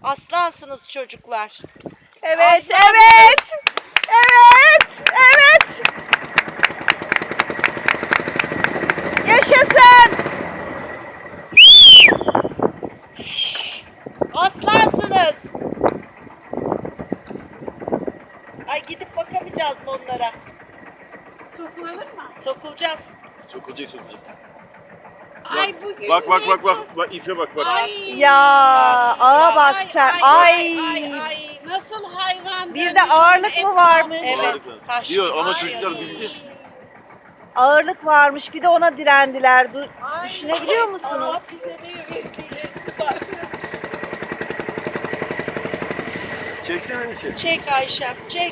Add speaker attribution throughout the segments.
Speaker 1: Aslansınız çocuklar.
Speaker 2: Evet,
Speaker 1: Aslansınız.
Speaker 2: evet. Evet, evet. Yaşasın.
Speaker 1: Aslansınız. Ay gidip bakamayacağız mı onlara?
Speaker 3: Sokulur mu?
Speaker 1: Sokulacağız.
Speaker 4: Sokulacak.
Speaker 3: Ay bugün
Speaker 4: Bak
Speaker 3: ne çok-
Speaker 4: bak ipe bak.
Speaker 3: Ay.
Speaker 2: Ya, ağa bak sen. Ay.
Speaker 3: Ay, nasıl hayvan?
Speaker 2: Bir de ağırlık mı varmış?
Speaker 1: Evet. Taş.
Speaker 4: Diyor ama
Speaker 3: Ay.
Speaker 4: çocuklar bildi.
Speaker 2: Ağırlık varmış. Bir de ona direndiler. Düşünebiliyor musunuz?
Speaker 3: Allah bize ne vesile. Bak.
Speaker 4: Çeksene bir
Speaker 1: Çek Ayşem, çek.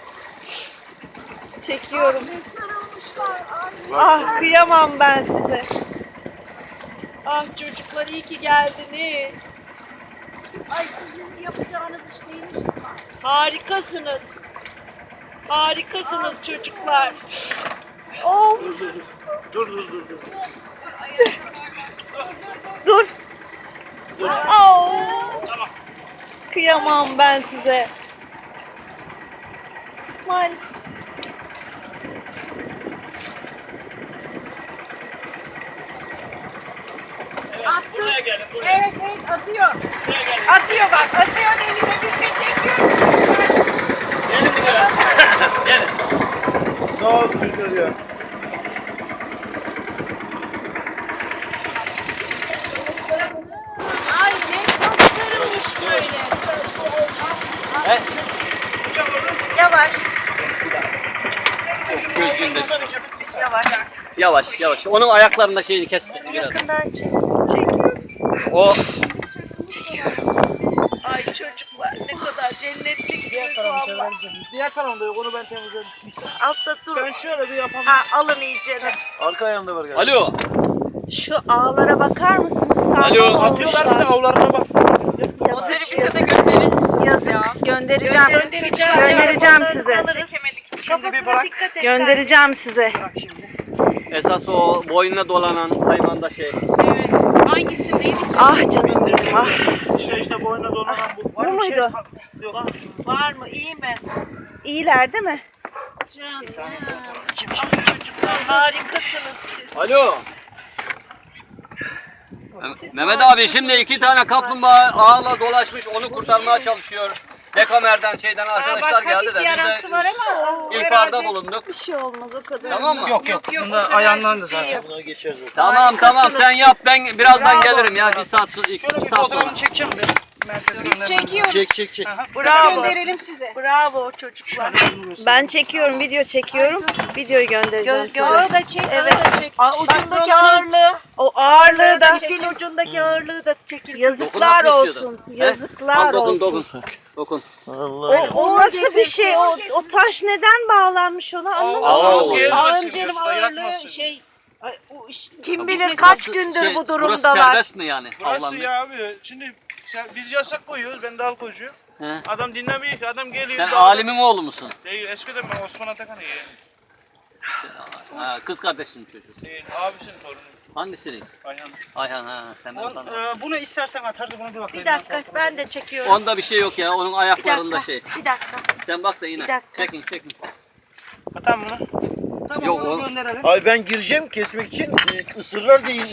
Speaker 2: Çekiyorum.
Speaker 3: Ne sarılmışlar. Ay.
Speaker 2: Ah, kıyamam ben size.
Speaker 1: Ah çocuklar iyi ki geldiniz.
Speaker 3: Ay sizin yapacağınız iş neymiş İsmail?
Speaker 1: Harikasınız. Harikasınız çocuklar.
Speaker 2: Of,
Speaker 4: Dur.
Speaker 2: dur. Oh. Kıyamam ben size. İsmail.
Speaker 3: Attı. Evet atıyor. Atıyor bak. Atıyor denize biz de çekiyoruz.
Speaker 4: Sağ ol çocuklar ya.
Speaker 1: Ay ne çok sarılmış böyle.
Speaker 2: Yavaş.
Speaker 5: Gözünde.
Speaker 2: Yavaş.
Speaker 5: Yavaş. Onun ayaklarında şeyini kes biraz.
Speaker 2: Yakından çekiyorum.
Speaker 5: O
Speaker 1: Ay çocuklar ne kadar cennetliksiniz valla.
Speaker 6: Diğer tarafında yok, onu ben temizledim.
Speaker 1: Altta dur.
Speaker 6: Ben şöyle bir yapamam.
Speaker 1: Ha, alın iyicene.
Speaker 4: Arka ayağında var galiba.
Speaker 5: alo.
Speaker 2: Şu ağlara bakar mısınız? Sağlam
Speaker 5: Alo.
Speaker 6: Atıyorlar bir de
Speaker 2: olmuşlar.
Speaker 6: avlarına bak.
Speaker 2: Yazık, yazık. Yazık. Göndereceğim.
Speaker 1: Göndereceğiz.
Speaker 2: Göndereceğim size.
Speaker 1: Kafasına dikkat et.
Speaker 2: Göndereceğim size.
Speaker 6: Bak şimdi.
Speaker 5: Esas o boynuna dolanan hayvanda şey.
Speaker 3: Evet. Hangisindeydi ki?
Speaker 2: Ah canım benim. Ah.
Speaker 6: İşte boyuna dolanan bu. Var
Speaker 2: Bu
Speaker 6: bir şey?
Speaker 2: muydu?
Speaker 6: Yok.
Speaker 1: Var mı iyi mi?
Speaker 2: İyiler değil mi?
Speaker 1: Ay çocuklar harikasınız siz.
Speaker 5: Alo. Mehmet abi şimdi 2 tane kaplumbağa ağla dolaşmış onu kurtarmaya çalışıyor. Dekamer'den şeyden arkadaşlar geldi de biz
Speaker 3: yarası var
Speaker 5: de
Speaker 3: ama o
Speaker 5: ihbarda bulunduk.
Speaker 2: Bir şey olmaz o kadar.
Speaker 5: Tamam mı?
Speaker 6: Yok. Bunda ayağından da zaten.
Speaker 4: Buna geçer zaten.
Speaker 5: Tamam sen yap ben birazdan gelirim ya bir saat
Speaker 6: Şöyle bir
Speaker 5: saat sonra.
Speaker 6: fotoğrafını çekeceğim ben. Merkeze
Speaker 3: Biz
Speaker 6: göndermem.
Speaker 3: çekiyoruz.
Speaker 4: Çek.
Speaker 1: Bravo.
Speaker 3: Gönderelim size.
Speaker 1: Bravo çocuklar.
Speaker 2: Ben çekiyorum, video çekiyorum. Videoyu göndereceğim size.
Speaker 3: Ağı da çek, ağı da çek.
Speaker 1: Ucundaki ağırlığı.
Speaker 2: O ağırlığı da
Speaker 1: İpin ucundaki ağırlığı da çekil.
Speaker 2: yazıklar
Speaker 5: Dokunmak
Speaker 2: olsun.
Speaker 5: istiyordu. He?
Speaker 2: Yazıklar
Speaker 5: Al, dokun,
Speaker 2: olsun.
Speaker 5: Dokun.
Speaker 4: Allah.
Speaker 2: O nasıl bir şey? O taş neden bağlanmış ona anlamadım.
Speaker 4: Allah.
Speaker 3: Ağın canım ağırlığı şey. Ay, o iş-
Speaker 1: Kim bilir
Speaker 3: Burası-
Speaker 1: kaç gündür bu
Speaker 5: Burası
Speaker 1: durumdalar.
Speaker 5: serbest mi yani?
Speaker 6: Burası
Speaker 5: Avlanmak?
Speaker 6: ya abi. Şimdi biz yasak koyuyoruz. Ben de al koyucu.
Speaker 5: He.
Speaker 6: Adam dinlemiyor ki. Adam geliyor.
Speaker 5: Sen
Speaker 6: dağda-
Speaker 5: alimin oğlu musun?
Speaker 6: Değil. Eskiden ben Osman Atakan'ı yeğenim.
Speaker 5: Ha, kız kardeşinin çocuğu.
Speaker 6: Değil. Abisinin torunu.
Speaker 5: Hangisinin?
Speaker 6: Ayhan.
Speaker 5: Ayhan ha sen ben tanıdım.
Speaker 6: Bunu istersen atarız. Bunu bir bakayım.
Speaker 1: Bir dakika ben de çekiyorum.
Speaker 5: Onda bir şey yok ya onun ayaklarında şey.
Speaker 1: Bir dakika.
Speaker 5: Sen bak da yine.
Speaker 1: Bir dakika.
Speaker 5: Çekin.
Speaker 6: Atam bunu. Tamam
Speaker 5: Yok,
Speaker 6: onu
Speaker 5: oğlum.
Speaker 6: gönderelim.
Speaker 4: Ay ben gireceğim kesmek için ısırlar diye